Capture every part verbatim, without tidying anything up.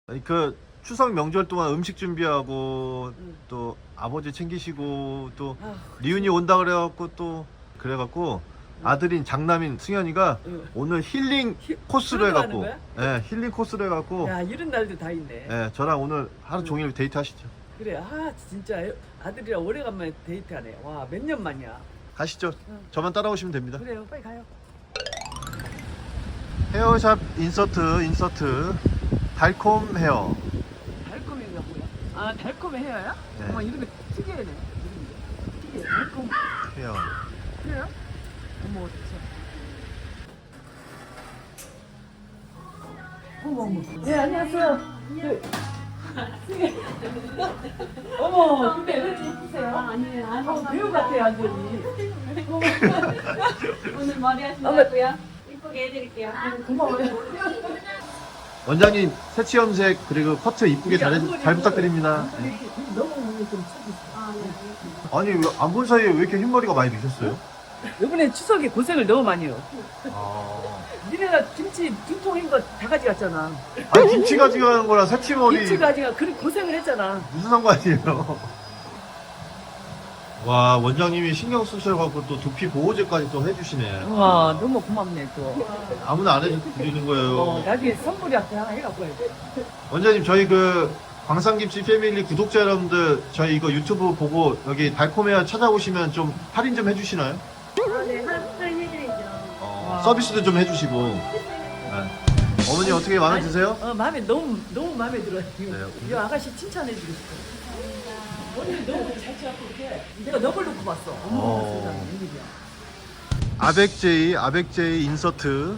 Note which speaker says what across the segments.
Speaker 1: 아니, 그 추석 명절 동안 음식 준비하고
Speaker 2: 응.
Speaker 1: 또 아버지 챙기시고 또
Speaker 2: 아,
Speaker 1: 리윤이 온다 그래갖고 또 그래갖고 아들인 장남인 승현이가
Speaker 2: 응.
Speaker 1: 오늘 힐링
Speaker 2: 히-
Speaker 1: 코스로
Speaker 2: 그런 거
Speaker 1: 해갖고
Speaker 2: 하는
Speaker 1: 예 힐링 코스로 해갖고
Speaker 2: 야, 이런 날도 다 있네.
Speaker 1: 예 저랑 오늘 하루
Speaker 2: 응.
Speaker 1: 종일 데이트 하시죠.
Speaker 2: 그래, 아 진짜 아들이랑 오래간만에 데이트하네. 와, 몇 년 만이야.
Speaker 1: 가시죠.
Speaker 2: 응.
Speaker 1: 저만 따라오시면 됩니다.
Speaker 2: 그래요, 빨리 가요.
Speaker 1: 헤어샵 인서트 인서트 달콤 헤어.
Speaker 2: 달콤이가 뭐야? 아, 달콤 헤어야?
Speaker 1: 네.
Speaker 2: 어머, 이름이 특이하네. 이름이. 특이해. 달콤
Speaker 1: 헤어.
Speaker 2: 헤어? 어머, 진짜. 어머, 어머. 네, 안녕하세요. 네. 어머, 근데 왜 이렇게 예쁘세요?
Speaker 3: 아, 아니에요. 아니,
Speaker 2: 어, 배우 같아요, 완전히.
Speaker 3: 오늘 머리 하신다고요? 이쁘게 해드릴게요.
Speaker 2: 고마워요.
Speaker 1: 원장님 새치 염색 그리고 커트 이쁘게 잘,
Speaker 2: 앞머리,
Speaker 1: 잘 부탁드립니다.
Speaker 2: 앞머리 이렇게 너무 좀 착했어.
Speaker 3: 아, 네, 알겠습니다.
Speaker 1: 아니 안 본 사이에 왜 이렇게 흰머리가 많이 드셨어요?
Speaker 2: 이번에 추석에 고생을 너무 많이 해요.
Speaker 1: 아...
Speaker 2: 니네가 김치 두 통인 거 다 가져갔잖아.
Speaker 1: 아니 김치 가져가는 거랑 새치머리
Speaker 2: 김치 가져가 그렇게 고생을 했잖아.
Speaker 1: 무슨 상관이에요? 와 원장님이 신경 쓰셔갖고 또 두피 보호제까지 또 해주시네.
Speaker 2: 와, 너무 고맙네 또.
Speaker 1: 아무나 안 해주는 거예요.
Speaker 2: 어, 나중에 선물이 앞에 하나 해갖고 해야지.
Speaker 1: 원장님 저희 그 광산김치 패밀리 구독자 여러분들 저희 이거 유튜브 보고 여기 달콤해야 찾아오시면 좀 할인 좀 해주시나요?
Speaker 3: 아, 네, 할인 해드리죠.
Speaker 1: 어,
Speaker 2: 와.
Speaker 1: 서비스도 좀 해주시고. 네. 어머니 어떻게 마음에 드세요?
Speaker 2: 어, 마음에 너무 너무 마음에 들어요.
Speaker 1: 네.
Speaker 2: 이 아가씨 칭찬해주고 싶어. 언니 너무 잘 치갖고 이렇게 내가 너걸 놓고 봤어. 어머,
Speaker 1: 어.
Speaker 2: 세상에 웬일이야.
Speaker 1: 아백제이 아백제이 인서트.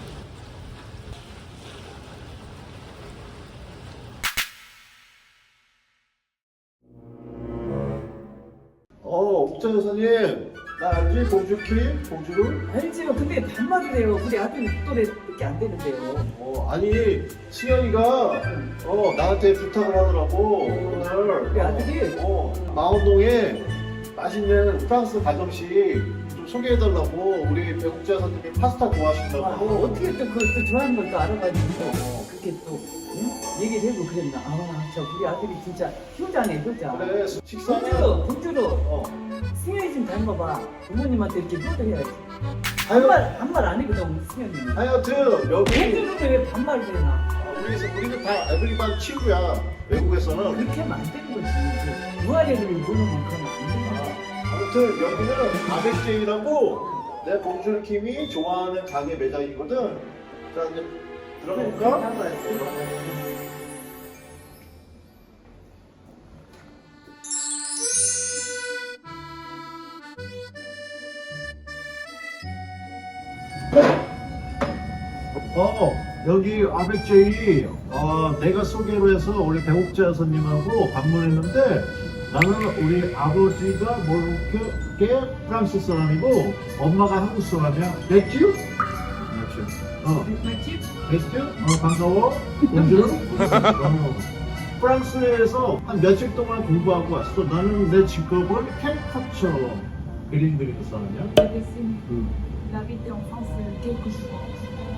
Speaker 1: 어 옥자 여사님 나 알지? 봉주킴? 봉주를?
Speaker 2: 알지요. 근데 반말이래요. 우리 아들이 또래밖에 안 되는데요.
Speaker 1: 어 아니 승현이가 어 나한테 부탁을 하더라고 오늘
Speaker 2: 우리 아들이?
Speaker 1: 어 마원동에 맛있는 프랑스 가정식 좀 소개해달라고 우리 배국자 여사님이 파스타
Speaker 2: 아,
Speaker 1: 좋아하신다고
Speaker 2: 어떻게 또 그 또 좋아하는 걸 또 알아가지고
Speaker 1: 어.
Speaker 2: 그렇게 또 응? 얘기를 해고 그랬나. 아, 저 우리 아들이 진짜 효자네, 효자.
Speaker 1: 그래 식사는
Speaker 2: 봉주로, 봉주로.
Speaker 1: 어
Speaker 2: 승현이 좀 닮아봐. 부모님한테 이렇게 효도해야지.
Speaker 1: 하여,
Speaker 2: 반말, 반말 안 해거든, 승현이.
Speaker 1: 하여튼 여기
Speaker 2: 봉주로는 왜 반말을 해나?
Speaker 1: 어, 우리 우리는 다 에브리반 친구야 외국에서는.
Speaker 2: 그렇게 하면 안 되는 거지. 그 무아리를 보는 건 그러면 안 되는 거야.
Speaker 1: 아무튼 여기는 아백제이라고 내 봉준 킴이 좋아하는 가게 매장이거든. 자 이제 들어갈까? 어 여기 아백제이 어, 내가 소개로 해서 우리 배옥자 여사님하고 방문했는데 나는 우리 아버지가 모로코계 프랑스 사람이고 엄마가 한국 사람이야. 맥주? 어. 맥주? 어 반가워. bonjour. 어. 프랑스에서 한 며칠 동안 공부하고 왔어. 나는 내 직업은 캐릭터처 그림 그리는 사람이야. 응.
Speaker 3: La vie en France, quelques jours.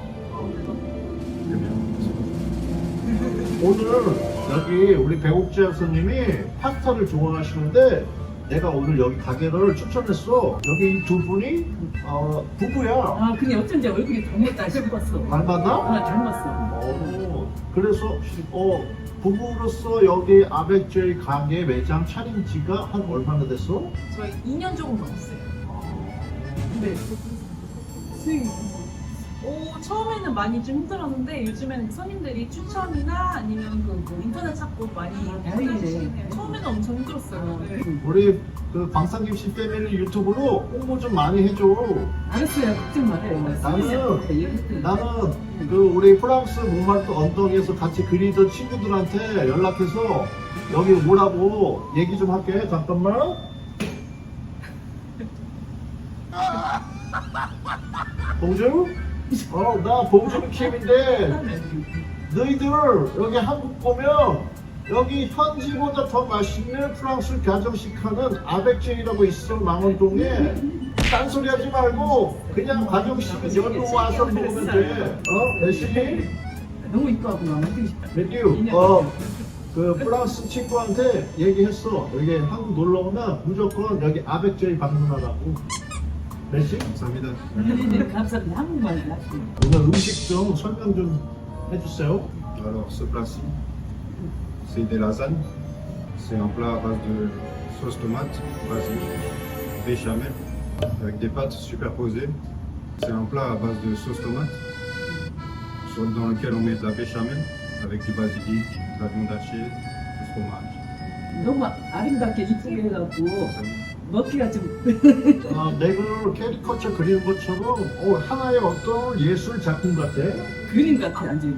Speaker 1: 오늘 여기 우리 배옥자 여사님이 파스타를 좋아하시는데 내가 오늘 여기 가게를 추천했어. 여기 이 두 분이 어, 부부야.
Speaker 2: 아, 근데 어쩐지 얼굴이 닮았다 싶었어.
Speaker 1: 닮았나?
Speaker 2: 아, 닮았어.
Speaker 1: 어, 그래서 어, 부부로서 여기 아백제이 가게 매장 차린 지가 한 얼마나 됐어?
Speaker 3: 저희 이 년 조금 넘었어요.
Speaker 2: 근데 수익이
Speaker 3: 오, 처음에는 많이 좀 힘들었는데 요즘에는 손님들이 추천이나 아니면 그, 그 인터넷 찾고 많이
Speaker 2: 다행이네.
Speaker 3: 해주시네요. 처음에는 엄청 힘들었어요. 네.
Speaker 1: 우리 그 광산김치 패밀리 유튜브로 홍보 좀 많이 해줘.
Speaker 2: 알았어요. 걱정 말아요.
Speaker 1: 나는 나는 그 우리 프랑스 몽말트 언덕에서 같이 그리던 친구들한테 연락해서 여기 오라고 얘기 좀 할게. 잠깐만. 봉주? 어, 나 봉주 킴인데 너희들 여기 한국 보면 여기 현지보다 더 맛있는 프랑스 가정식 하는 아백제이라고 있어 망원동에. 딴소리 하지 말고 그냥 가정식 여기 와서 먹으면 돼. 어? 열심히
Speaker 2: 너무 이뻐하고 막 만들고 싶다.
Speaker 1: 매튜, 어, 그 프랑스 친구한테 얘기했어. 여기 한국 놀러 오면 무조건 여기 아벡제이 방문하라고. 메시?
Speaker 4: 감사합니다.
Speaker 2: 네, 감사합니다. 한국말 하시고.
Speaker 1: 오늘 음식 좀 설명 좀 해주세요.
Speaker 4: Alors ce plat-ci, c'est des lasagnes. C'est un plat à base de sauce tomate, basilic, béchamel, avec des pâtes superposées. C'est un plat à base de sauce tomate, sur- dans lequel on met de la béchamel, avec du basilic, de la viande hachée, du fromage.
Speaker 2: 너무 아름답게 이쁘게 해갖고
Speaker 4: 감사합니다.
Speaker 2: 먹기가 좀
Speaker 1: 아, 맥을 캐리커처 그리는 것처럼 어, 하나의 어떤 예술 작품 같아.
Speaker 2: 그림 같아 완전.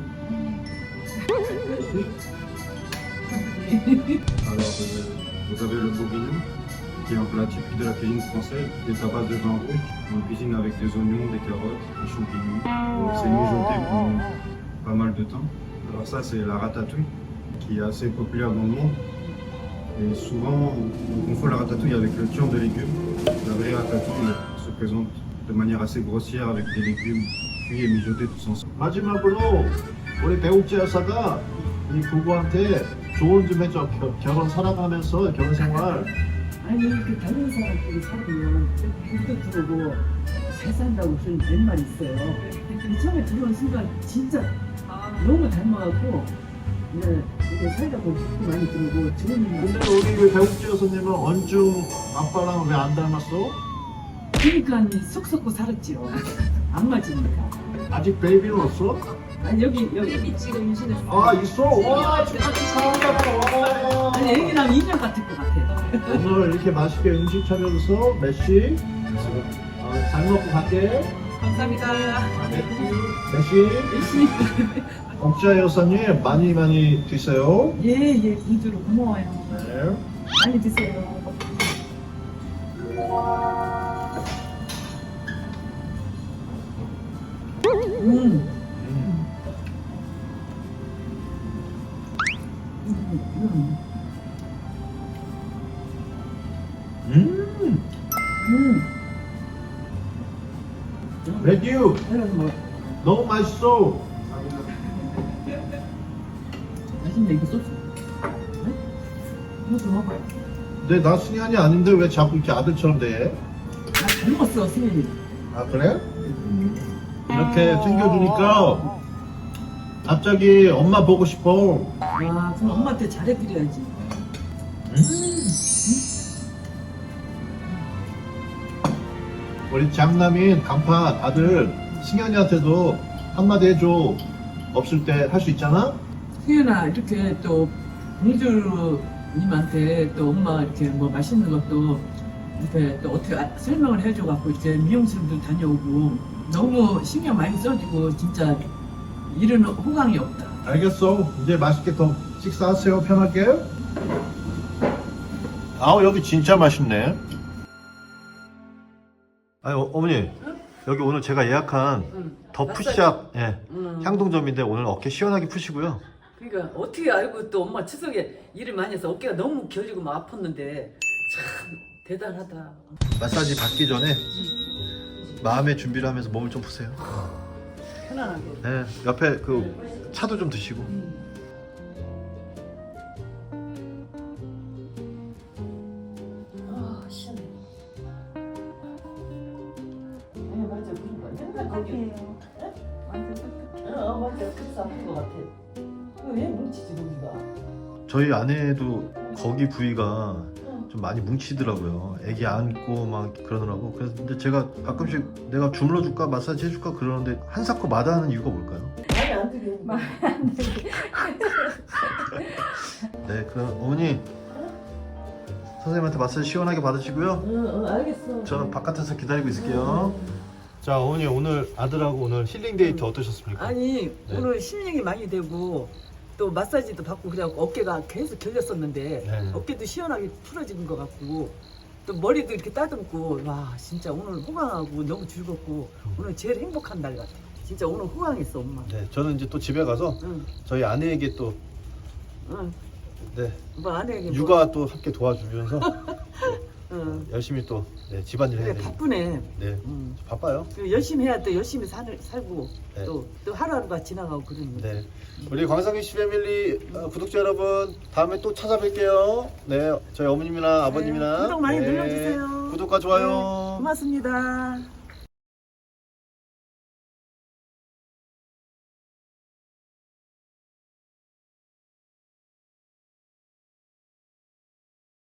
Speaker 4: Alors euh, vous avez le bourguignon, qui est un plat typique de la cuisine française, qui est à base de vin rouge. On le cuisine avec des oignons, des carottes, des champignons. Donc, c'est mijoté pendant pas mal de temps. Alors ça c'est la ratatouille, qui est assez populaire dans le monde. Et souvent on confond la ratatouille avec le tian de légumes. La vraie ratatouille se présente de manière assez grossière avec des légumes cuits et mijotés tous ensemble.
Speaker 1: 마지막으로 우리 배우재 여사가 이 부부한테 조언 좀 해줘. 겨- 결혼 살아가면서 결혼 생활.
Speaker 2: 아니 그 다른 사람끼리 살면 불도 들어오고 잘 산다고 그런 옛말 있어요. 근데 처음에 들어온 순간 진짜
Speaker 3: 아,
Speaker 2: 너무 닮아갖고 네, 이게 살다 보면 불도 많이 들어오고 좋은 일만.
Speaker 1: 근데 우리 그 배우재 여사님은 언중 아빠랑 왜 안 닮았어?
Speaker 2: 그러니까 속 썩고 살았지요. 안 맞으니까.
Speaker 1: 아직 베이비는 없어?
Speaker 2: 아니 여기 여기
Speaker 3: 베이비 지금 임신했어요.
Speaker 1: 아 있어? 와 진짜 축하한다. 와.
Speaker 2: 아니 애기 나면 인형 같을 것 같아.
Speaker 1: 오늘 이렇게 맛있게 음식 차려줘서 메시 어, 잘 먹고 갈게.
Speaker 3: 감사합니다.
Speaker 1: 아, 메시
Speaker 2: 열심히.
Speaker 1: 억자 여사님 많이 많이 드세요.
Speaker 2: 예예 공주로 고마워요.
Speaker 1: 네.
Speaker 2: 많이 드세요. 음. 음.
Speaker 1: 음.
Speaker 2: 음.
Speaker 1: 매튜
Speaker 2: 이런 뭐
Speaker 1: 너무 맛있어.
Speaker 2: 맛있네 이거 소스. 네? 이거 좀 먹어.
Speaker 1: 근데 나 승현이 아닌데 왜 자꾸 이렇게 아들처럼 돼?
Speaker 2: 나잘 먹었어 승현이.
Speaker 1: 아 그래? 이렇게 챙겨주니까 갑자기 엄마 보고 싶어.
Speaker 2: 와 그럼 엄마한테 잘해드려야지.
Speaker 1: 음. 우리 장남인 강파 아들 승현이한테도 한마디 해줘. 없을 때 할 수 있잖아?
Speaker 2: 승현아 이렇게 또 공주님한테 또 엄마 이렇게 뭐 맛있는 것도 이렇게 또 어떻게 아- 설명을 해줘갖고 이제 미용실도 다녀오고 너무 신경 많이 써주고 진짜 일은 호강이 없다.
Speaker 1: 알겠어. 이제 맛있게 더 식사하세요. 편하게. 아우 여기 진짜 맛있네.
Speaker 5: 아니 어, 어머니 여기 오늘 제가 예약한
Speaker 2: 응.
Speaker 5: 더
Speaker 2: 마사지.
Speaker 5: 푸시업 예,
Speaker 2: 응.
Speaker 5: 향동점인데 오늘 어깨 시원하게 푸시고요.
Speaker 2: 그러니까 어떻게 알고 또 엄마 추석에 일을 많이 해서 어깨가 너무 결리고 막 아팠는데 참 대단하다.
Speaker 5: 마사지 받기 전에 마음의 준비를 하면서 몸을 좀 푸세요.
Speaker 2: 편안하게.
Speaker 5: 네, 옆에 그 차도 좀 드시고.
Speaker 2: 아 시원해. 네 맞아 그런 거 맨날 거기. 어 맞아 그래서 아픈 거 같아. 왜 뭉치지 거기가?
Speaker 5: 저희 아내도 거기 부위가 좀 많이 뭉치더라고요. 애기 안고 막 그러더라고. 그래서 근데 제가 가끔씩 내가 주물러 줄까 마사지 해줄까 그러는데 한사코 마다하는 이유가 뭘까요?
Speaker 2: 말이 안 되게.
Speaker 5: 네, 그럼 어머니 선생님한테 마사지 시원하게 받으시고요.
Speaker 2: 응, 응 알겠어.
Speaker 5: 저는 바깥에서 기다리고 있을게요. 자, 어머니 오늘 아들하고 오늘 힐링 데이트 어떠셨습니까?
Speaker 2: 아니
Speaker 5: 네.
Speaker 2: 오늘 힐링이 많이 되고 또 마사지도 받고 그래갖고 어깨가 계속 결렸었는데
Speaker 5: 네.
Speaker 2: 어깨도 시원하게 풀어지는 것 같고 또 머리도 이렇게 따듬고 와 진짜 오늘 호강하고 너무 즐겁고 오늘 제일 행복한 날 같아. 진짜 오늘 호강했어 엄마.
Speaker 5: 네, 저는 이제 또 집에 가서
Speaker 2: 응,
Speaker 5: 저희 아내에게 또
Speaker 2: 응.
Speaker 5: 네,
Speaker 2: 뭐 아내에게 뭐-
Speaker 5: 육아 또 함께 도와주면서
Speaker 2: 어.
Speaker 5: 열심히 또 네, 집안일 해야
Speaker 2: 그래,
Speaker 5: 되니까.
Speaker 2: 바쁘네.
Speaker 5: 네,
Speaker 2: 음.
Speaker 5: 바빠요.
Speaker 2: 그 열심히 해야 또 열심히 살, 살고
Speaker 5: 네.
Speaker 2: 또, 또 하루하루가 지나가고 그러는 거지.
Speaker 5: 네, 우리 광상희 씨 패밀리 어, 구독자 여러분 다음에 또 찾아뵐게요. 네, 저희 어머님이나 아버님이나
Speaker 2: 구독 많이
Speaker 5: 네,
Speaker 2: 눌러주세요.
Speaker 5: 구독과 좋아요.
Speaker 2: 네, 고맙습니다.